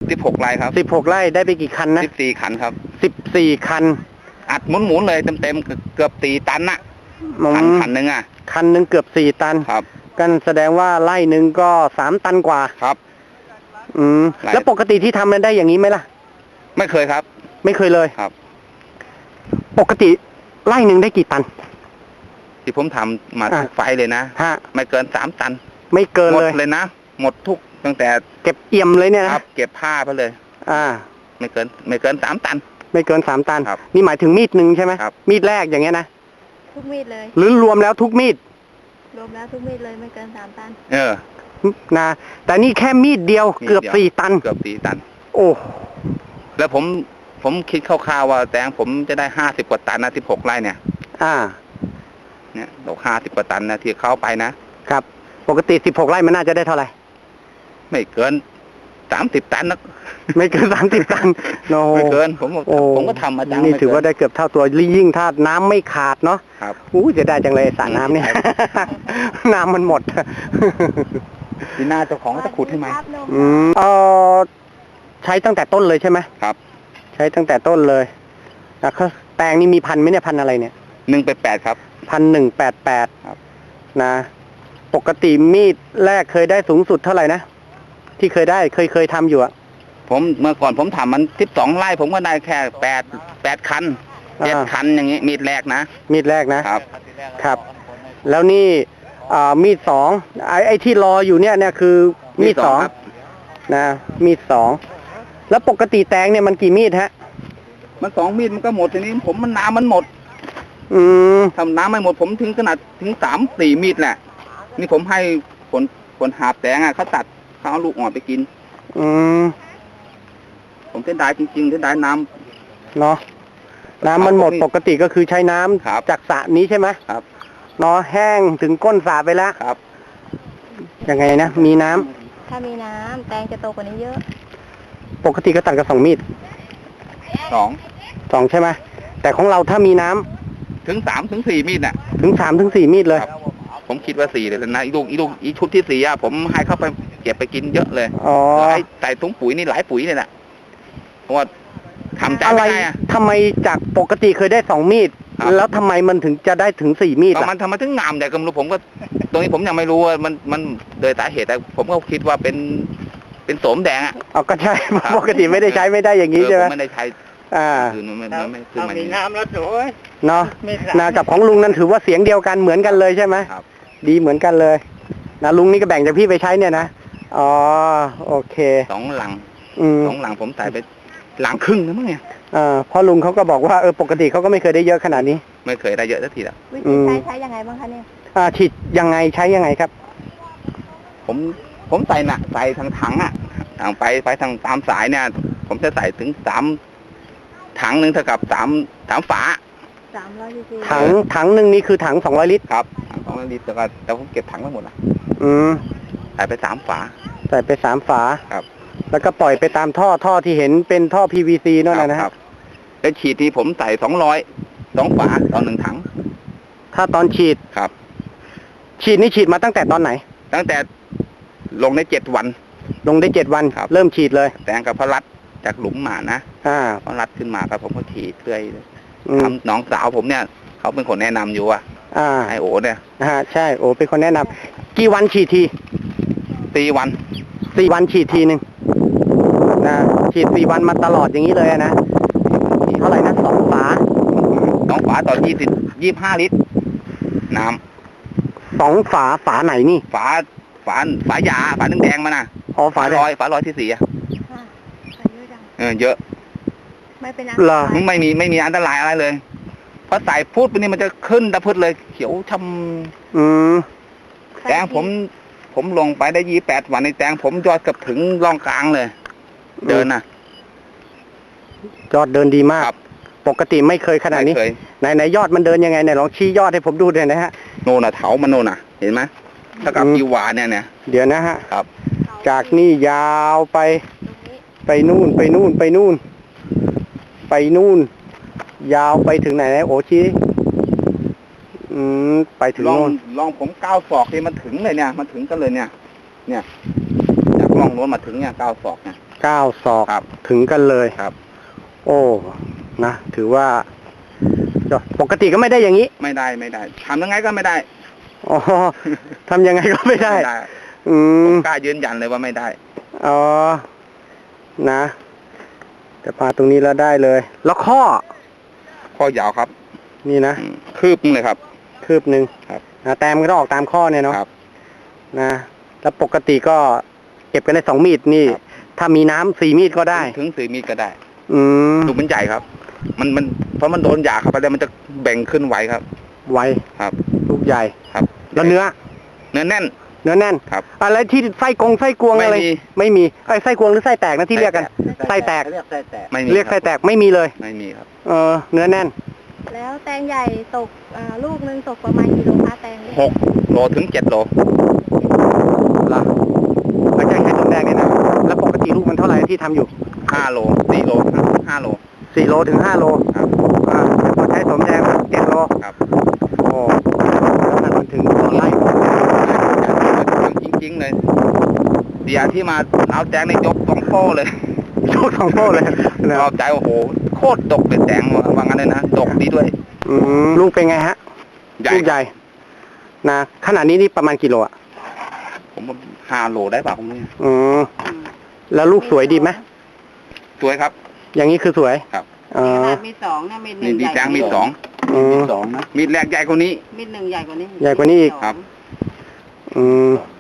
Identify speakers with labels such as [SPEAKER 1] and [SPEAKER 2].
[SPEAKER 1] 16 ไร่ครับ
[SPEAKER 2] 16 ไร่ได้ไปกี่คันนะ
[SPEAKER 1] 14 คันครับ
[SPEAKER 2] 14 คัน
[SPEAKER 1] อัดหมุนเลยเต็มเกือบ4 ตันน่ะคันหนึ่งอ่ะ
[SPEAKER 2] คันหนึ่งเกือบ4 ตัน
[SPEAKER 1] ครับ
[SPEAKER 2] กันแสดงว่าไร่หนึ่งก็3 ตันกว่า
[SPEAKER 1] ครับ
[SPEAKER 2] แล้วปกติที่ทำมันได้อย่างนี้ไหมล่ะ
[SPEAKER 1] ไม่เคยครับ
[SPEAKER 2] ไม่เคยเลย
[SPEAKER 1] ครับ
[SPEAKER 2] ปกติไร่หนึ่งได้กี่ตัน
[SPEAKER 1] ที่ผมทำมาทุกไฟเลยนะไม่เกิน3 ตัน
[SPEAKER 2] ไม่เกินเลย
[SPEAKER 1] หมดทุกตั้งแต่
[SPEAKER 2] เก็บเอี่ยมเลยเนี่ยนะครับ
[SPEAKER 1] เก็บผ้าไปเลยไม่เกิน3 ตัน
[SPEAKER 2] ไม่เกิน3 ตันนี่หมายถึงมีดหนึ่งใช่ไหมมีดแรกอย่างเงี้ยนะ
[SPEAKER 3] ทุกมีดเลย
[SPEAKER 2] หรือรวมแล้วทุกมีด
[SPEAKER 3] รวมแล้วทุกมีดเลยไม่เกิน3 ตัน
[SPEAKER 2] นะแต่นี่แค่มีดเดียวเกือบ4 ตันโอ้
[SPEAKER 1] แล้วผมคิดคร่าวๆว่าแตงผมจะได้50 กว่าตันนะ16 ไร่เนี่ยเนี่ยเรา50 กว่าตันนะที่เข้าไปนะครับ
[SPEAKER 2] ปกติ16 ไร่มันน่าจะได้เท่าไหร่
[SPEAKER 1] ไม่เกิน30 ตันนะ
[SPEAKER 2] ไม่เกิน30 ตัน
[SPEAKER 1] ไม่เกินผมก็ทำมาจัง
[SPEAKER 2] นี่ถือว่าได้เกือบเท่าตัวยิ่งถ้าน้ำไม่ขาดเนาะ
[SPEAKER 1] ครับ
[SPEAKER 2] จะได้จังเลยสระน้ำเนี่ยน้ำมันหมด
[SPEAKER 1] ทีหน้าเจ้าของจะขุดให้ไหม
[SPEAKER 2] ใช้ตั้งแต่ต้นเลยใช่ไหม
[SPEAKER 1] ครับ
[SPEAKER 2] ใช้ตั้งแต่ต้นเลยนะแตงนี่มีพันธุ์ไหมเนี่ยพันธุ์อะไรเนี่ย
[SPEAKER 1] 188ครับ
[SPEAKER 2] 188ครับนะปกติมีดแรกเคยได้สูงสุดเท่าไหร่นะที่เคยได้เคยทำอยู่อะ
[SPEAKER 1] ผมเมื่อก่อนผมทำมัน12 ไร่ผมก็ได้แค่8 คัน 7 คันอย่างงี้มีดแรกนะ
[SPEAKER 2] มีดแรกนะครับแล้วนี่มีด2ไอ้ที่รออยู่เนี่ยคือมีด2นะมีด2แล้วปกติแตงเนี่ยมันกี่มีดฮะ
[SPEAKER 1] มัน2 มีดมันก็หมดทีนี้ผมมันน้ำมันหมดทำน้ำไม่หมดผมถึงขนาดถึง3-4 มีดแหละนี่ผมให้คนหาบแตงอ่ะเขาตัดเขาเอาลูกอ่อนไปกินผมเส้นได้จริงๆเส้นได้น้
[SPEAKER 2] ำเนาะน้ำมันหมดปกติก็คือใช้น้ำจากสระนี้ใช่ไหม
[SPEAKER 1] ครับ
[SPEAKER 2] เนาะแห้งถึงก้นสระไปแล้ว
[SPEAKER 1] ครับ
[SPEAKER 2] ยังไงนะมีน้ำ
[SPEAKER 3] ถ้ามีน้ำแตงจะโตกว่านี้เยอะ
[SPEAKER 2] ปกติก็ตัดกับ2 มีด
[SPEAKER 1] 2
[SPEAKER 2] ใช่ไหมแต่ของเราถ้ามีน้ำ
[SPEAKER 1] ถึง3-4 มีดน่ะ
[SPEAKER 2] ถึง3-4 มีดเลย
[SPEAKER 1] ผมคิดว่า4เลยนะอีชุดที่4อ่ะผมให้เข้าไปเก็บไปกินเยอะเลยใส่ถุงปุ๋ยนี่หลายปุ๋ยเลยนะเพราะว่าทำใจไม่ได้อะ
[SPEAKER 2] ทำไมจากปกติเคยได้2 มีดแล้วทำไมมันถึงจะได้ถึง4 มีดล่ะ
[SPEAKER 1] มันทำไมถึงงามแต่ก็ไม่รู้ผมก็ตรงนี้ผมยังไม่รู้ว่ามันโดยสาเหตุแต่ผมก็คิดว่าเป็นโสมแดงอ่ะ
[SPEAKER 2] ก็ใช่ปกติไม่ได้ใช้ไม่ได้อย่างนี้ใช่ไหม
[SPEAKER 1] ไม่ได้ใช้คือมัน
[SPEAKER 2] มีน้ำแล้วสวยเนาะนากับของลุงนั้นถือว่าเสียงเดียวกันเหมือนกันเลยใช่ไหม
[SPEAKER 1] ครับ
[SPEAKER 2] ดีเหมือนกันเลยนะลุงนี่ก็แบ่งจากพี่ไปใช้เนี่ยนะโอเค
[SPEAKER 1] 2 หลัง2 หลังผมใส่ไป1 หลังครึ่งนะมั้งเนี่ย
[SPEAKER 2] พ่อลุงเขาก็บอกว่าปกติเขาก็ไม่เคยได้เยอะขนาดนี้
[SPEAKER 1] ไม่เคยได้เยอะสักทีละ
[SPEAKER 3] วิธีใช้ยังไงบ้างคะเนี่ย
[SPEAKER 2] ฉีดยังไงใช้ยังไงครับ
[SPEAKER 1] ผมใส่ทางถังอ่ะทางไปทางตามสายเนี่ยผมจะใส่ถึง3 ถังนึงเท่ากับ3 ฝา
[SPEAKER 3] 300 ลิตร
[SPEAKER 2] ถังนึงนี่คือถัง200 ลิตร
[SPEAKER 1] ครับ200 ลิตรแต่ผมเก็บถังไว้หมดนะใส่ไป3 ฝา
[SPEAKER 2] ใส่ไป3 ฝา
[SPEAKER 1] ครับ
[SPEAKER 2] แล้วก็ปล่อยไปตามท่อที่เห็นเป็นท่อ PVC นั่นนะครับ
[SPEAKER 1] แล้วฉีดที่ผมใส่2 ฝาต่อ1 ถัง
[SPEAKER 2] ถ้าตอนฉีด
[SPEAKER 1] ครับ
[SPEAKER 2] ฉีดนี่ฉีดมาตั้งแต่ตอนไหน
[SPEAKER 1] ตั้งแต่ลงได้7 วัน
[SPEAKER 2] ลงได้7 วันเริ่มฉีดเลย
[SPEAKER 1] แตงกับพลัดจากหลุมหมานะพลัดขึ้นมาครับผมก็ฉีดเรื่อยน้องสาวผมเนี่ยเขาเป็นคนแนะนำอยู่ไอโอเนี่ย
[SPEAKER 2] ใช่โอเป็นคนแนะนำกี่วันฉีดที
[SPEAKER 1] 4 วัน
[SPEAKER 2] ฉีดทีนึงนะฉีด4 วันมาตลอดอย่างนี้เลยนะเท่าไหร่นะ2 ฝา
[SPEAKER 1] 2 ฝาต่อ25 ลิตรน้
[SPEAKER 2] ำ2 ฝาไหนนี่
[SPEAKER 1] ฝายาฝาแดงมานะฝาลอยที่4เยอะ
[SPEAKER 3] ไม่เป็นไร
[SPEAKER 1] ไม่มีอันตรายอะไรเลยพอใส่พูดไปนี่มันจะขึ้นตะพึดเลยเขียวช้ำแตงผมลงไปได้28 วันในแตงผมยอดกับถึงร่องกลางเลยเดินนะ
[SPEAKER 2] ยอดเดินดีมากปกติไม่เคยขนาดนี้ไหนยอดมันเดินยังไงเนี่ยลองชี้ยอดให้ผมดูหน่อยนะฮะ
[SPEAKER 1] โน่นเถามันโน่นเห็นไหมถ้ากับอีวาเนี่ย
[SPEAKER 2] เดี๋ยวนะฮะ
[SPEAKER 1] ครับ
[SPEAKER 2] จากนี่ยาวไปนู่นยาวไปถึงไหนโอ้ชี้ไปถึงโน่น
[SPEAKER 1] ลองผม9 ศอกที่มันถึงเลยเนี่ยมันถึงกันเลยเนี่ยจากร่องโน้นมาถึงเนี่ย9 ศอกเนี่ย
[SPEAKER 2] 9 ศอก
[SPEAKER 1] ครับ
[SPEAKER 2] ถึงกันเลย
[SPEAKER 1] ครับ
[SPEAKER 2] โอ้นะถือว่าปกติก็ไม่ได้อย่างนี้
[SPEAKER 1] ไม่ได้ทำยังไงก็ไม่ได้
[SPEAKER 2] อ๋อทำยังไงก็ไม่ได้ อื
[SPEAKER 1] ผม มกล้ายืนยันเลยว่าไม่ได้
[SPEAKER 2] อ๋อนะแต่มาตรงนี้แล้วได้เลย แล้วข้อ
[SPEAKER 1] ข้อยาวครับ
[SPEAKER 2] นี่นะ
[SPEAKER 1] คืบนึงเลยครับ
[SPEAKER 2] คืบหนึ่ง
[SPEAKER 1] ครับ
[SPEAKER 2] นะแต้มก็ต้องออกตามข้อเนี่ยเนาะ
[SPEAKER 1] ครับ
[SPEAKER 2] นะแล้วปกติก็เก็บกันได้2 มีดนี่
[SPEAKER 1] ครับ
[SPEAKER 2] ถ้ามีน้ำ4 มีดก็ได้
[SPEAKER 1] ถึง4 มีดก็ได้
[SPEAKER 2] อืม
[SPEAKER 1] ลูกมันใหญ่ครับ มันเพราะมันโดนหยาเข้าไปแล้วมันจะแบ่งขึ้นไหวครับ
[SPEAKER 2] ไว
[SPEAKER 1] ครับ
[SPEAKER 2] ลูกใหญ่
[SPEAKER 1] ครับ
[SPEAKER 2] แล้วเนื้อ
[SPEAKER 1] เนื้อแน่น
[SPEAKER 2] เนื้อแน่น
[SPEAKER 1] ครับ
[SPEAKER 2] อะไรที่ไส้กวง
[SPEAKER 1] ไม่
[SPEAKER 2] อะไร
[SPEAKER 1] มี
[SPEAKER 2] ไม่มีไส้กวงหรือไส้แตกนะที่เรียกกันไส้แตก
[SPEAKER 1] ไม่มี
[SPEAKER 2] เรียกไส้แตกไม่มีเลย
[SPEAKER 1] ไม่มีครับ
[SPEAKER 2] เนื้อแน่น
[SPEAKER 3] แล้วแตงใหญ่ตกลูกนึงตกประมาณกี่โลคะแตงเนี่ย
[SPEAKER 1] 6 โลถึง 7 โล
[SPEAKER 2] ล่ะแล้วจะใช้สมแดงเนี่ยนะแล้วปกติลูกมันเท่าไหร่ที่ทำอยู่
[SPEAKER 1] 5 โล 4 โล 5 โล
[SPEAKER 2] 4 โลถึง 5 โล
[SPEAKER 1] ครับ
[SPEAKER 2] แต่พอใช้สมแดง7 โล
[SPEAKER 1] ครับ
[SPEAKER 2] โอ้แล้วมันถึงต่อไร่
[SPEAKER 1] จริงๆเลยเดียที่มาเอาแตงในยก2 โป้เลย
[SPEAKER 2] ยก2 โป้เลยนะ
[SPEAKER 1] ชอบใจโอ้โหโคตรดกเลยแตงว่างั้นเลยนะดกดีด้วย
[SPEAKER 2] ลูกเป็นไงฮะ
[SPEAKER 1] ใหญ่
[SPEAKER 2] ลูกใหญ่นะขนาดนี้นี่ประมาณกี่โลอ่ะ
[SPEAKER 1] ผมว่า5 โลได้เปล่าผมเนี่ย
[SPEAKER 2] แล้วลูกสวยดีไหม
[SPEAKER 1] สวยครับ
[SPEAKER 2] อย่างนี้คือสวย
[SPEAKER 1] ครับ
[SPEAKER 2] อ๋อ
[SPEAKER 4] มี2นะมีห
[SPEAKER 1] นี่
[SPEAKER 4] นึ่ง
[SPEAKER 1] ดี
[SPEAKER 4] ใหญ่
[SPEAKER 1] แตงมีด
[SPEAKER 2] อืม
[SPEAKER 1] 2 มีดแรกใหญ่กว่านี้
[SPEAKER 4] มีหนึ่งใหญ่กว่านี้
[SPEAKER 2] ใหญ่กว่านี้อีก
[SPEAKER 1] ครับ
[SPEAKER 4] สง
[SPEAKER 2] อืม